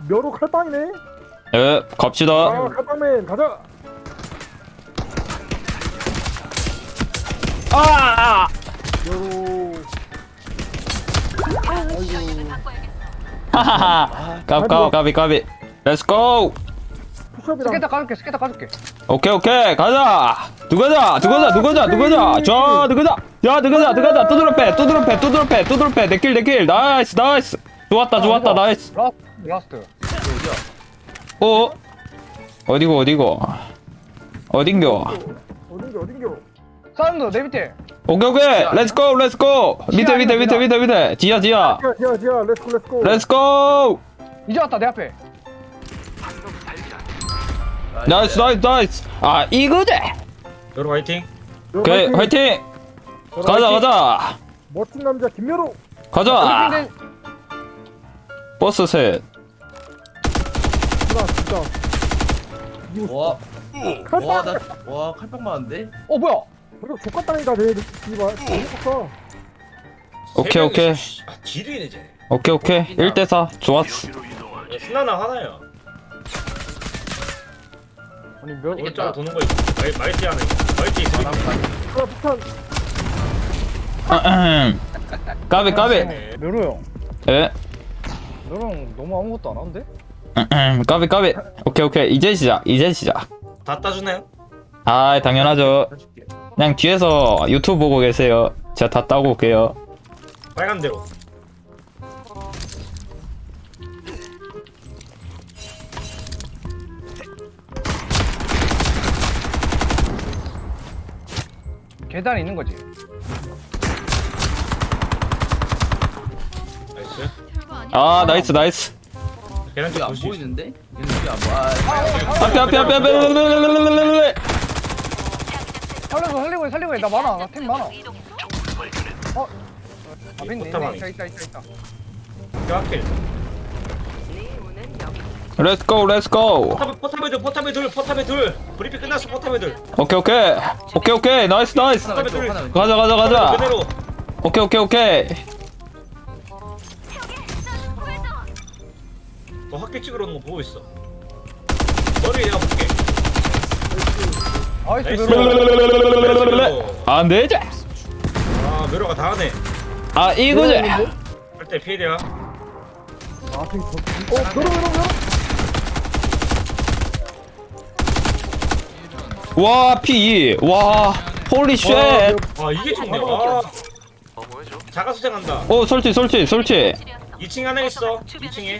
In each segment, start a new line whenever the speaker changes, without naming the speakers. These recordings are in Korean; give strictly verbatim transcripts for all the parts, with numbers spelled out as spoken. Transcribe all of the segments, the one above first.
묘로 칼빵이네.
예, 갑시다.
아 칼빵맨 가자.
아!
묘로. 아이고.
하하하. 까비 까비 까비 까비. 렛츠 고.
푸시업이랑.
스케타 까줄게 스케타 까줄게.
오케이 오케이 가자. 누가자 누가자 누가자 누가자. 자 누가자. 야 누가자 누가자. 두드러 패 두드러 패 두드러 패 두드러 패. 내킬 내킬. 나이스 나이스. 좋았다 좋았다 나이스.
라스트 라스트.
어? 어디고 어디고? 어딘겨?
어딘겨 어딘겨.
사운드 내 밑에.
오케이 오케이. 렛츠 고 렛츠 고. 밑에 밑에 밑에 밑에 밑에. 지하 지하.
지하 지하 지하 렛츠고 렛츠고.
렛츠 고.
이제 왔다 내 앞에.
나이스 나이스 나이스. 아 이거지.
여러분 화이팅.
오케이 화이팅. 가자 가자.
멋진 남자 김묘로.
가자.
근데
버스 셋.
나 진짜.
와,
칼빵.
와, 나, 와, 칼빵 많은데?
어 뭐야?
그리고 족같다니까 내 이봐. 재밌었어.
오케이 오케이.
아 지리네 쟤.
오케이 오케이. 일 대 사. 좋았어.
야, 신나나 하나야.
아니 몇
오른쪽으로 도는 거 있고 말 말티 하나 있고 말티 있고.
하나 폭탄.
아흠. 까비 까비.
묘로 형.
예.
너랑 너무 아무것도 안 하는데?
아흠. 까비 까비. 오케이 오케이. 이제 시작. 이제 시작.
다 따주나요?
아 당연하죠.
해줄게.
그냥 뒤에서 유튜브 보고 계세요. 제가 다 따고 올게요.
빨간 대로.
계단에 있는 거지.
나이스.
아 나이스 나이스.
계란
여기
쪽
안
볼수 있어.
보이는데? 얘는 여기 안 보여. 아,
앞에 앞에 앞에 앞에.
살려서 살리고 해 살리고 해나 많아 나 템 많아. 어? 앞에 있네
포탑
있네 있다 있다 있다 있다.
뼈아킬.
렛츠 고 렛츠 고.
포탑 포탑에 둘 포탑에 둘 포탑에 둘. 브리핑 끝났어 포탑에 둘.
오케이 오케이. 오케이 오케이. 나이스 나이스.
하나 왼쪽, 하나 왼쪽.
가자 가자 가자.
그대로.
오케이 오케이 오케이.
너 학교 찍으러 오는 거 보고 있어. 머리 내가 볼게.
아이스
나이스.
묘로.
안 되지.
아 묘로가 다 하네.
아 이거지.
할때 피해야.
아 저기 저. 어 묘로 묘로 묘로.
와 피. 와 홀리 쉣.
아 이게 좋네. 아. 자가 수생한다.
오 설치 설치 설치.
이 층에 하나 있어. 이 층에.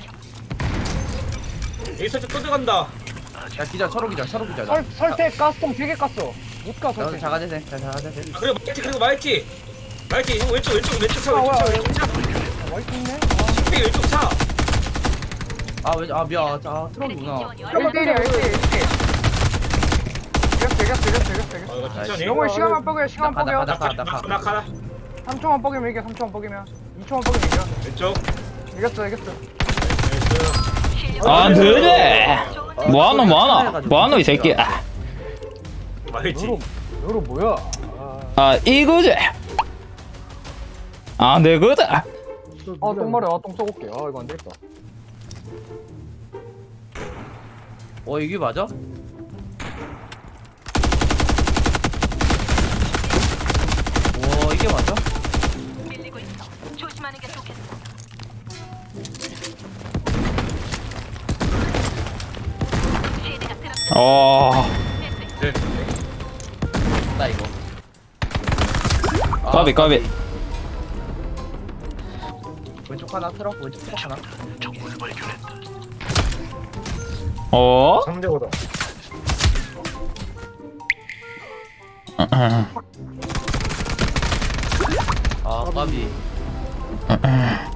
여기 설치 또 들어간다.
야, 기자, 서로 기자, 서로 기자.
설 설태 가스통 되게 깠어. 못가
나도
설태.
자가제세, 자, 자가제세.
아, 그리고 마이티 그리고 마이티. 마이티 형 왼쪽 왼쪽 왼쪽 차
아,
왼쪽 차
뭐야,
왼쪽 차.
아, 와이프 있네.
피 왼쪽 차.
아, 왜, 아, 미안. 아, 트럭이구나.
일 대일이야 일 대일 일 대일. 이겼어 이겼어 이겼어 이겼어
아
이겼어.
이거 천천히.
영호야 시간만 뻐겨 시간
나가,
뻐겨.
나가, 나가.
나 가라.
삼 초만 뻐기면 이겨 삼 초만 뻐기면 이 초만 뻐기면 이겨.
왼쪽.
이겼어 이겼어.
나이스.
안 되지. 뭐하노 뭐하노 뭐하노 이 새끼. 아,
마이티.
묘로 묘로 뭐야?
아 이거지. 안 되거든.
아 똥마려 아똥 썩을게. 아 이거 안 되겠다.
어, 이게 맞아? 와, 이게 맞아?
밀리고 있어. 조심하는 게 좋겠어. 시드가 들어.
어
네.
나 이거. 아,
까비 까비.
왼쪽 하나, 트럭, 왼쪽 트럭 하나.
어?
삼 대 오다.
아, 까비.